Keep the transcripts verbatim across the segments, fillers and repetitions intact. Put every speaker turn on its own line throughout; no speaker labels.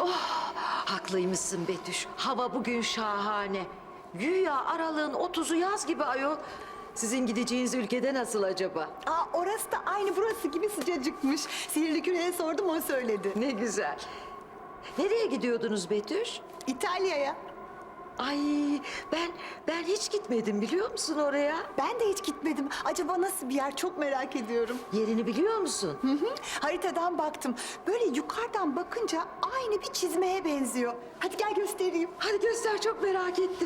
Haklıymışsın Betüş. Hava bugün şahane. Güya aralığın otuzu yaz gibi ayol. Sizin gideceğiniz ülkede nasıl acaba?
Aa, orası da aynı burası gibi sıcacıkmış. Sihirli küreye sordum, o söyledi.
Ne güzel. Nereye gidiyordunuz Betüş?
İtalya'ya.
Ay ben ben hiç gitmedim biliyor musun oraya?
Ben de hiç gitmedim. Acaba nasıl bir yer, çok merak ediyorum.
Yerini biliyor musun?
Hı hı. Haritadan baktım. Böyle yukarıdan bakınca aynı bir çizmeye benziyor. Hadi gel göstereyim.
Hadi göster, çok merak ettim.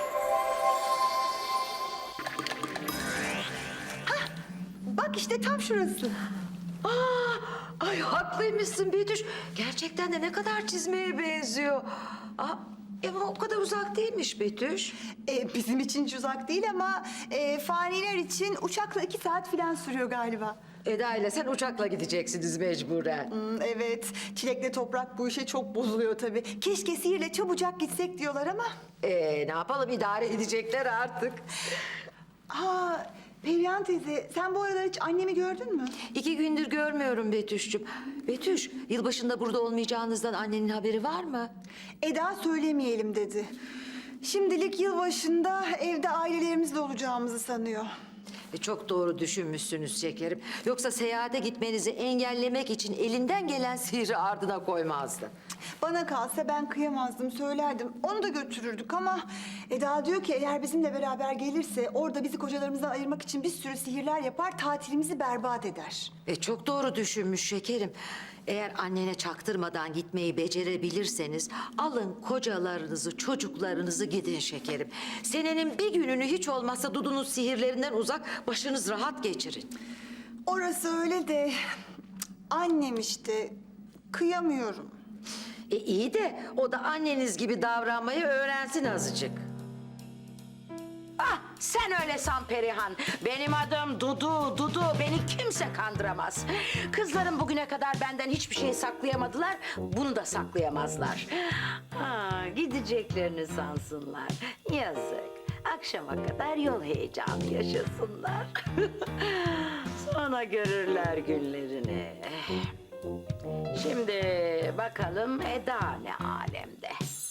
Bak işte tam şurası.
Aa, ay haklıymışsın Betüş. Gerçekten de ne kadar çizmeye benziyor. Aa, ama o kadar uzak değilmiş Betüş.
Ee, bizim için hiç uzak değil ama e, faniler için uçakla iki saat falan sürüyor galiba.
Eda ile sen uçakla gideceksiniz mecburen.
Hmm, evet, Çilek'le Toprak bu işe çok bozuluyor tabii. Keşke Sihir'le çabucak gitsek diyorlar ama.
Ee, ne yapalım, idare edecekler artık.
Ha, Perihan teyze, sen bu aralar hiç annemi gördün mü?
İki gündür görmüyorum Betüş'cüm. Betüş, yılbaşında burada olmayacağınızdan annenin haberi var mı?
Eda söylemeyelim dedi. Şimdilik yılbaşında evde ailelerimizle olacağımızı sanıyor.
E, çok doğru düşünmüşsünüz şekerim. Yoksa seyahate gitmenizi engellemek için elinden gelen sihri ardına koymazdı.
Bana kalsa ben kıyamazdım, söylerdim. Onu da götürürdük ama Eda diyor ki eğer bizimle beraber gelirse orada bizi kocalarımızdan ayırmak için bir sürü sihirler yapar, tatilimizi berbat eder.
E, çok doğru düşünmüş şekerim. Eğer annene çaktırmadan gitmeyi becerebilirseniz alın kocalarınızı, çocuklarınızı gidin şekerim. Senenin bir gününü hiç olmazsa Dudu'nun sihirlerinden uzak, başınız rahat geçirin.
Orası öyle de annem işte, kıyamıyorum.
E iyi de o da anneniz gibi davranmayı öğrensin azıcık.
Ah, sen öyle san Perihan. Benim adım Dudu, Dudu. Beni kimse kandıramaz. Kızlarım bugüne kadar benden hiçbir şey saklayamadılar. Bunu da saklayamazlar. Ha, gideceklerini sansınlar. Yazık. Akşama kadar yol heyecanı yaşasınlar. Sonra görürler günlerini. Şimdi bakalım Eda ne alemde.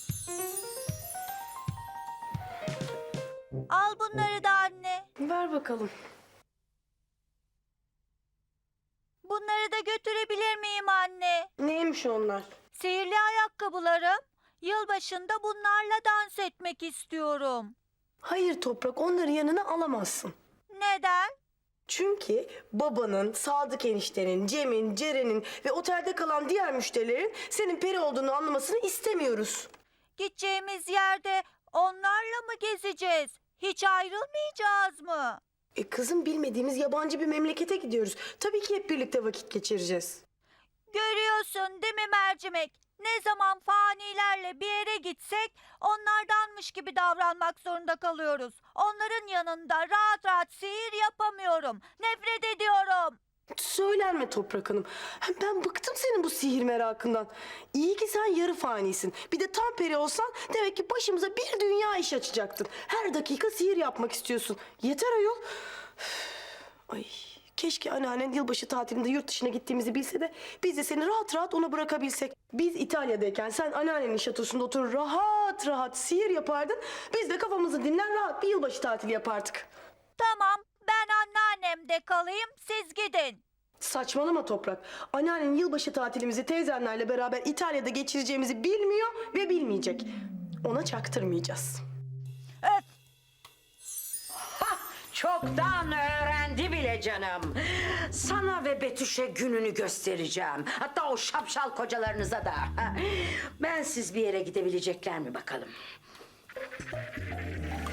Al bunları da anne.
Ver bakalım.
Bunları da götürebilir miyim anne?
Neymiş onlar?
Sihirli ayakkabılarım. Yılbaşında bunlarla dans etmek istiyorum.
Hayır Toprak, onları yanına alamazsın.
Neden?
Çünkü babanın, Sadık eniştenin, Cem'in, Ceren'in ve otelde kalan diğer müşterilerin senin peri olduğunu anlamasını istemiyoruz.
Gideceğimiz yerde onlarla mı gezeceğiz? Hiç ayrılmayacağız mı?
E kızım, bilmediğimiz yabancı bir memlekete gidiyoruz. Tabii ki hep birlikte vakit geçireceğiz.
Görüyorsun değil mi mercimek? Ne zaman fanilerle bir yere gitsek onlardanmış gibi davranmak zorunda kalıyoruz. Onların yanında rahat rahat sihir yapamıyorum. Nefret ediyorum.
Söylenme Toprak Hanım. Hem ben bıktım senin bu sihir merakından. İyi ki sen yarı fanisin. Bir de tam peri olsan demek ki başımıza bir dünya iş açacaktın. Her dakika sihir yapmak istiyorsun. Yeter ayol. Üf, ay, keşke anneannen yılbaşı tatilinde yurt dışına gittiğimizi bilse de biz de seni rahat rahat ona bırakabilsek. Biz İtalya'dayken sen anneannenin şatosunda oturur rahat rahat sihir yapardın. Biz de kafamızı dinler rahat bir yılbaşı tatili yapardık.
Tamam, ben anneannemde kalayım, siz gidin.
Saçmalama Toprak. Anneannen yılbaşı tatilimizi teyzenlerle beraber İtalya'da geçireceğimizi bilmiyor ve bilmeyecek. Ona çaktırmayacağız.
Öf!
Çoktan öğrendi bile canım. Sana ve Betüş'e gününü göstereceğim. Hatta o şapşal kocalarınıza da. Ben siz bir yere gidebilecekler mi bakalım?